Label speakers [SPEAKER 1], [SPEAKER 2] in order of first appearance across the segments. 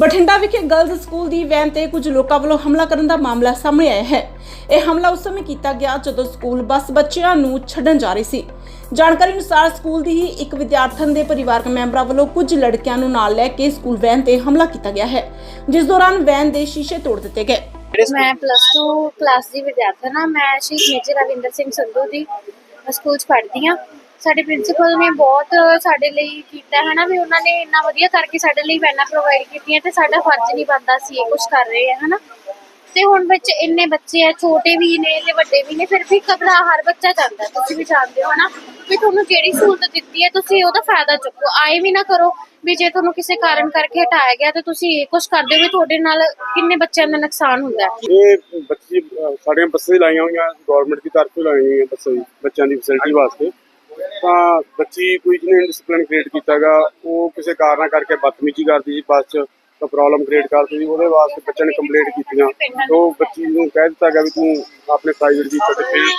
[SPEAKER 1] ਬਠਿੰਡਾ ਵਿਖੇ girls school ਦੀ van ਤੇ ਕੁਝ ਲੋਕਾਂ ਵੱਲੋਂ ਹਮਲਾ ਕਰਨ ਦਾ ਮਾਮਲਾ ਸਾਹਮਣੇ ਆਇਆ ਹੈ। ਇਹ ਹਮਲਾ ਉਸ ਸਮੇਂ ਕੀਤਾ ਗਿਆ ਜਦੋਂ ਸਕੂਲ ਬੱਸ ਬੱਚਿਆਂ ਨੂੰ ਛੱਡਣ ਜਾ ਰਹੀ ਸੀ। ਜਾਣਕਾਰੀ ਅਨੁਸਾਰ ਸਕੂਲ ਦੀ ਹੀ ਇੱਕ ਵਿਦਿਆਰਥਣ ਦੇ ਪਰਿਵਾਰਕ ਮੈਂਬਰਾਂ ਵੱਲੋਂ ਕੁਝ ਲੜਕਿਆਂ ਨੂੰ ਨਾਲ ਲੈ ਕੇ ਸਕੂਲ ਵੈਨ ਤੇ ਹਮਲਾ ਕੀਤਾ ਗਿਆ ਹੈ, ਜਿਸ ਦੌਰਾਨ ਵੈਨ ਦੇ ਸ਼ੀਸ਼ੇ ਤੋੜ ਦਿੱਤੇ ਗਏ।
[SPEAKER 2] मैं +2 क्लास ਦੀ ਵਿਦਿਆਰਥਣ ਹਾਂ। ਮੈਂ ਸ਼ਹੀਦ ਮੇਜਰ ਰਵਿੰਦਰ ਸਿੰਘ ਸੰਧੂ ਦੀ ਸਕੂਲ 'ਚ ਪੜ੍ਹਦੀ ਹਾਂ। ਸਾਡੇ ਪ੍ਰਿੰਸੀਪਲ ਨੇ ਬਹੁਤ ਸਾਡੇ ਲਈ ਕੀਤਾ ਹੈ ਨਾ, ਵੀ ਉਹਨਾਂ ਨੇ ਇੰਨਾ ਵਧੀਆ ਕਰਕੇ ਸਾਡੇ ਲਈ ਵੈਨਾਂ ਪ੍ਰੋਵਾਈਡ ਕੀਤੀਆਂ ਤੇ ਸਾਡਾ ਫਰਜ਼ ਨਹੀਂ ਬਣਦਾ ਸੀ ਇਹ ਕੁਛ ਕਰ ਰਹੇ ਆ ਹੈ ਨਾ। ਤੇ ਹੁਣ ਵਿੱਚ ਇੰਨੇ ਬੱਚੇ ਆ, ਛੋਟੇ ਵੀ ਨੇ ਤੇ ਵੱਡੇ ਵੀ ਨੇ, ਫਿਰ ਵੀ ਘਬਰਾ ਹਰ ਬੱਚਾ ਜਾਂਦਾ। ਤੁਸੀਂ ਵੀ ਜਾਣਦੇ ਹੋ ਨਾ ਵੀ ਤੁਹਾਨੂੰ ਜਿਹੜੀ ਸਹੂਲਤ ਦਿੱਤੀ ਹੈ ਤੁਸੀਂ ਉਹਦਾ ਫਾਇਦਾ ਚੁੱਕੋ। ਆਏ ਵੀ ਨਾ ਕਰੋ ਵੀ ਜੇ ਤੁਹਾਨੂੰ ਕਿਸੇ ਕਾਰਨ ਕਰਕੇ ਹਟਾਇਆ ਗਿਆ ਤੇ ਤੁਸੀਂ ਇਹ ਕੁਛ ਕਰਦੇ ਹੋ ਵੀ ਤੁਹਾਡੇ ਨਾਲ ਕਿੰਨੇ ਬੱਚਿਆਂ ਦਾ ਨੁਕਸਾਨ ਹੁੰਦਾ ਹੈ।
[SPEAKER 3] ਇਹ ਬੱਚੇ ਸਾਡੀਆਂ ਬੱਸਾਂ ਹੀ ਲਾਈਆਂ ਹੋਈਆਂ, ਗਵਰਨਮੈਂਟ ਦੀ ਤਰਫੋਂ ਲਾਈਆਂ ਹੋਈਆਂ ਬੱਸਾਂ ਜੀ, ਬੱਚਿਆਂ ਦੀ ਫੈਸਿਲਿਟੀ ਵਾਸਤੇ। ਤਾਂ ਬੱਚੀ ਕੋਈ ਜਿਹਨੇ ਡਿਸਪਲਿਨ ਕ੍ਰੀਏਟ ਕੀਤਾਗਾ, ਉਹ ਕਿਸੇ ਕਾਰਨ ਕਰਕੇ ਬਦਤਮੀਜ਼ੀ ਕਰਦੀ ਸੀ ਬੱਸ 'ਚ, ਤਾਂ ਪ੍ਰੋਬਲਮ ਕ੍ਰੀਏਟ ਕਰਦੀ ਸੀ। ਉਹਦੇ ਵਾਸਤੇ ਬੱਚਿਆਂ ਨੇ ਕੰਪਲੇਂਟ ਕੀਤੀਆਂ। ਉਹ ਬੱਚੀ ਨੂੰ ਕਹਿ ਦਿੱਤਾ ਗਿਆ ਵੀ ਤੂੰ ਆਪਣੇ ਪ੍ਰਾਈਵੇਟ ਦੀ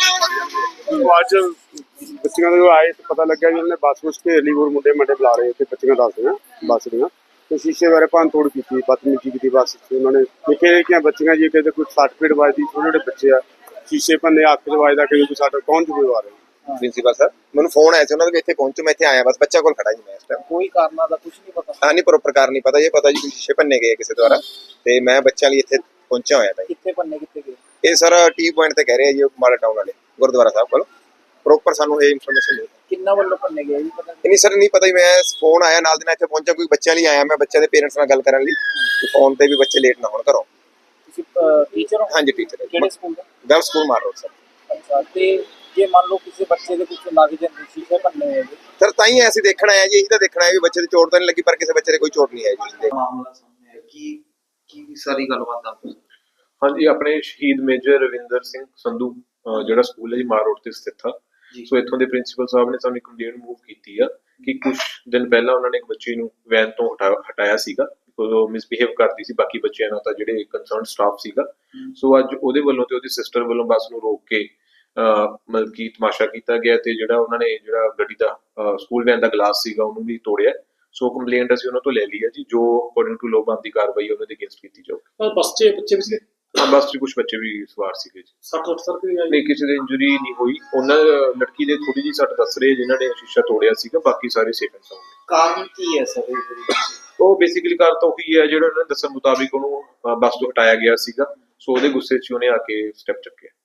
[SPEAKER 3] ਅੱਜ ਬੱਚਿਆਂ ਦੇ ਆਏ ਤੇ ਪਤਾ ਲੱਗਿਆ ਵੀ ਉਹਨੇ ਬੱਸ ਵਿੱਚ ਘੇਰ ਲਈ, ਹੋਰ ਮੁੰਡੇ ਬੁਲਾ ਰਹੇ ਤੇ ਬੱਚੀਆਂ ਦੱਸਦੀਆਂ ਬੱਸ ਦੀਆਂ, ਤੇ ਸ਼ੀਸ਼ੇ ਬਾਰੇ ਭੰਨ ਤੋੜ ਕੀਤੀ, ਬਦਤਮੀਜ਼ੀ ਕੀਤੀ ਬੱਸ 'ਚ। ਉਹਨਾਂ ਨੇ ਨਿੱਕੇ ਨਿੱਕੀਆਂ ਬੱਚੀਆਂ ਜੀ, ਕਿਤੇ ਕੋਈ 60 ਫੀਟ ਵੱਜਦੀ, ਛੋਟੇ ਛੋਟੇ ਬੱਚੇ ਆ, ਸ਼ੀਸ਼ੇ ਭੰਨੇ, ਅੱਖ 'ਚ ਵੱਜਦਾ, ਕਿ ਸਾਡਾ ਕੌਣ ਜ਼ਿੰਮੇਵਾਰ ਹੈ।
[SPEAKER 4] ਪ੍ਰਿੰਸੀਪਲ ਸਰ ਮੈਨੂੰ ਫੋਨ ਆਇਆ ਸੀ ਉਹਨਾਂ ਦਾ, ਇੱਥੇ ਪਹੁੰਚੋ। ਮੈਂ ਇੱਥੇ ਆਇਆ, ਬਸ ਬੱਚਾ ਕੋਲ ਖੜਾ ਜੀ ਮੈਂ ਇਸ ਟਾਈਮ।
[SPEAKER 5] ਕੋਈ ਕਾਰਨਾਂ ਦਾ ਕੁਝ ਨਹੀਂ ਪਤਾ?
[SPEAKER 4] ਹਾਂ ਨਹੀਂ, ਪ੍ਰੋਪਰ ਕਾਰਨ ਨਹੀਂ ਪਤਾ। ਇਹ ਪਤਾ ਜੀ ਸ਼ੀਸ਼ੇ ਭੰਨੇ ਗਏ ਕਿਸੇ ਦੁਆਰਾ, ਤੇ ਮੈਂ ਬੱਚਿਆਂ ਲਈ ਇੱਥੇ ਪਹੁੰਚਿਆ ਹੋਇਆ ਤਾਂ।
[SPEAKER 5] ਕਿੱਥੇ ਭੰਨੇ, ਕਿੱਥੇ ਗਏ?
[SPEAKER 4] ਇਹ ਸਰ ਟੀ ਪੁਆਇੰਟ ਤੇ ਕਹਿ ਰਹੇ ਆ ਜੀ, ਮਾਲਾ ਟਾਊਨ ਵਾਲੇ ਗੁਰਦੁਆਰਾ ਸਾਹਿਬ ਕੋਲ। ਪ੍ਰੋਪਰ ਸਾਨੂੰ ਇਹ ਇਨਫੋਰਮੇਸ਼ਨ ਨਹੀਂ।
[SPEAKER 5] ਕਿੰਨਾ ਵੱਲੋਂ ਭੰਨੇ ਗਏ ਜੀ ਪਤਾ
[SPEAKER 4] ਨਹੀਂ ਸਰ, ਨਹੀਂ ਪਤਾ ਜੀ। ਮੈਂ ਫੋਨ ਆਇਆ ਨਾਲ ਦੀ ਨਾਲ ਇੱਥੇ ਪਹੁੰਚਿਆ, ਕੋਈ ਬੱਚਿਆਂ ਲਈ ਆਇਆ ਮੈਂ, ਬੱਚਿਆਂ ਦੇ ਪੇਰੈਂਟਸ ਨਾਲ ਗੱਲ ਕਰਨ ਲਈ। ਫੋਨ ਤੇ ਵੀ ਬੱਚੇ ਲੇਟ ਨਾ ਹੋਣ ਘਰੋਂ।
[SPEAKER 5] ਤੁਸੀਂ ਟੀਚਰ ਹੋ?
[SPEAKER 4] ਹਾਂਜੀ ਟੀਚਰ।
[SPEAKER 5] ਕਿਹੜੇ ਸਕੂਲ ਦਾ?
[SPEAKER 4] ਗਰਲ ਸਕੂਲ ਮਾਰ ਰੋਡ ਸਰ।
[SPEAKER 5] ਅੱਛਾ, ਤੇ ਜੇ ਮੰਨ ਲਓ ਕਿਸੇ ਬੱਚੇ ਦੇ ਕੁਝ ਲੱਗ ਜਾਂਦੇ, ਸ਼ੀਸ਼ੇ ਭੰਨੇ ਹੋਏ ਜੀ,
[SPEAKER 4] ਸਰ ਤਾਂ ਹੀ ਅਸੀਂ ਦੇਖਣ ਆਏ ਜੀ, ਇਹੀ ਤਾਂ ਦੇਖਣਾ ਹੈ ਵੀ ਬੱਚੇ ਦੀ ਚੋਟ ਤਾਂ ਨਹੀਂ ਲੱਗੀ, ਪਰ ਕਿਸੇ ਬੱਚੇ ਦੇ ਕੋਈ ਚੋਟ ਨਹੀਂ ਆਈ ਜੀ।
[SPEAKER 6] ਮਾਮਲਾ ਸਾਹਮਣੇ ਆਇਆ ਕੀ ਸਾਰੀ ਗੱਲਬਾਤ ਦੱਸੋ।
[SPEAKER 7] ਹਾਂਜੀ, ਆਪਣੇ ਸ਼ਹੀਦ ਮੇਜਰ ਰਵਿੰਦਰ ਸਿੰਘ ਸੰਧੂ ਜਿਹੜਾ ਸਕੂਲ ਹੈ ਜੀ ਮਾਰ ਰੋਡ ਤੇ ਸਥਿਤ ਆ। ਸੋ ਇੱਥੋਂ ਦੇ ਪ੍ਰਿੰਸੀਪਲ ਸਾਹਿਬ ਨੇ ਸਾਨੂੰ ਕੰਪਲੇਂਟ ਮੂਵ ਕੀਤੀ ਆ ਕਿ ਕੁਝ ਦਿਨ ਪਹਿਲਾਂ ਉਹਨਾਂ ਨੇ ਇੱਕ ਬੱਚੀ ਨੂੰ ਵੈਨ ਤੋਂ ਹਟਾਇਆ ਸੀਗਾ। ਉਹ ਮਿਸਬਿਹੇਵ ਕਰਦੀ ਸੀ ਬਾਕੀ ਬੱਚਿਆਂ ਨਾਲ, ਤਾਂ ਜਿਹੜੇ ਕੰਸਰਨ ਸਟਾਫ ਸੀਗਾ। ਸੋ ਅੱਜ ਉਹਦੇ ਵੱਲੋਂ ਤੇ ਉਹਦੀ ਸਿਸਟਰ ਵੱਲੋਂ ਬੱਸ ਨੂੰ ਰੋਕ ਕੇ ਮਤਲਬ ਕਿ ਤਮਾਸ਼ਾ ਕੀਤਾ ਗਿਆ, ਤੇ ਜਿਹੜਾ ਉਹਨਾਂ ਨੇ ਜਿਹੜਾ ਗੱਡੀ ਦਾ ਸਕੂਲ ਵੈਨ ਦਾ ਗਲਾਸ ਸੀਗਾ ਉਹਨੂੰ ਵੀ ਤੋੜਿਆ। ਸੋ ਕੰਪਲੇਂਟ ਅਸੀਂ ਉਹਨਾਂ ਤੋਂ ਲੈ ਲਈ ਹੈ ਜੀ, ਜੋ ਅਕੋਰਡਿੰਗ ਟੂ ਲਾਅ ਬਣਦੀ ਕਾਰਵਾਈ ਉਹਨਾਂ ਦੇ ਅਗੇਂਸਟ ਕੀਤੀ ਜਾਊਗੀ।
[SPEAKER 6] ਬੱਚੇ ਵੀ ਸੀ?
[SPEAKER 7] ਹਾਂ, ਬੱਸ 'ਚ ਕੁਝ ਬੱਚੇ ਵੀ ਸਵਾਰ ਸੀਗੇ ਜੀ।
[SPEAKER 6] 60
[SPEAKER 7] ਨਹੀਂ, ਕਿਸੇ ਦੇ ਇੰਜਰੀ ਨਹੀਂ ਹੋਈ। ਉਹਨਾਂ ਲੜਕੀ ਦੇ ਥੋੜੀ ਜਿਹੀ ਸੱਟ ਦੱਸ ਰਹੇ ਜਿਨ੍ਹਾਂ ਨੇ ਸ਼ੀਸ਼ਾ ਤੋੜਿਆ ਸੀਗਾ, ਬਾਕੀ ਸਾਰੇ ਸੇਫ ਐਂਡ ਸਾਊਂਡ ਨੇ।
[SPEAKER 6] ਕਾਰਨ ਕੀ ਹੈ ਸਰ?
[SPEAKER 7] ਉਹ ਬੇਸਿਕਲੀ ਕਾਰਨ ਤਾਂ ਉਹੀ ਹੈ ਜਿਹੜਾ ਉਹਨਾਂ ਦੇ ਦੱਸਣ ਮੁਤਾਬਿਕ ਉਹਨੂੰ ਬੱਸ ਤੋਂ ਹਟਾਇਆ ਗਿਆ ਸੀਗਾ। ਸੋ ਉਹਦੇ ਗੁੱਸੇ 'ਚ ਉਹਨੇ ਆ ਕੇ ਸਟੈਪ ਚੱਕਿਆ।